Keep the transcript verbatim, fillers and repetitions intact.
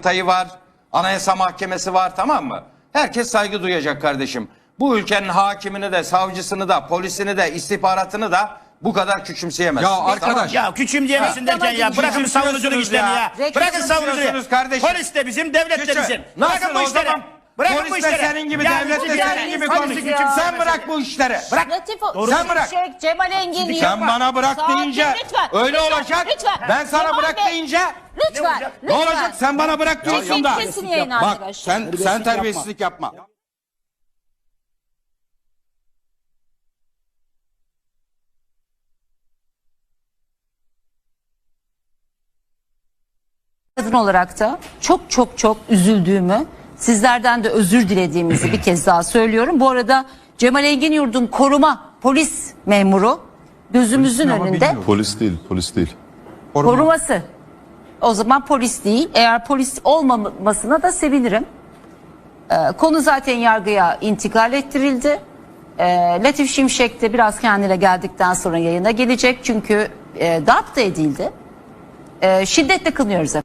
Yargıtay'ı var, Anayasa Mahkemesi var, tamam mı? Herkes saygı duyacak kardeşim. Bu ülkenin hakimini de, savcısını da, polisini de, istihbaratını da bu kadar küçümseyemezsin. Ya arkadaş. Ya küçümseyemesin derken ya bırakın savunuculuk işlerini ya. ya. Bırakın savunuculuğu. Kardeşim. Polis de bizim, devlet de Küçüm. bizim. Nasıl Bırakın bu o işleri. zaman? Bırakın Polis bu de işleri. senin gibi, Ya devlet de siz senin yani gibi hangisi konuş. küçümsemez? Sen bırak bu işleri. Bırak. Latif, Sen bırak. Şimşek, Cemal Engin Sen yapma. bana bırak Sakin, deyince lütfen, öyle lütfen, olacak. lütfen. Ben sana Cemal bırak Bey, deyince Lütfen. olacak? ne lütfen. olacak? Sen bana bırak diyorsun Kesin, da. kesin yayın Bak arkadaşlar. sen sen terbiyesizlik yapma. Kadın olarak da çok çok çok üzüldüğümü, sizlerden de özür dilediğimizi bir kez daha söylüyorum. Bu arada Cemal Engin Yurd'un koruma polis memuru gözümüzün önünde Polis değil, polis değil. koruması. O zaman polis değil. Eğer polis olmamasına da sevinirim. Ee, konu zaten yargıya intikal ettirildi. Ee, Latif Şimşek de biraz kendine geldikten sonra yayına gelecek. Çünkü e, darp da edildi. Ee, şiddetle kınıyoruz efendim.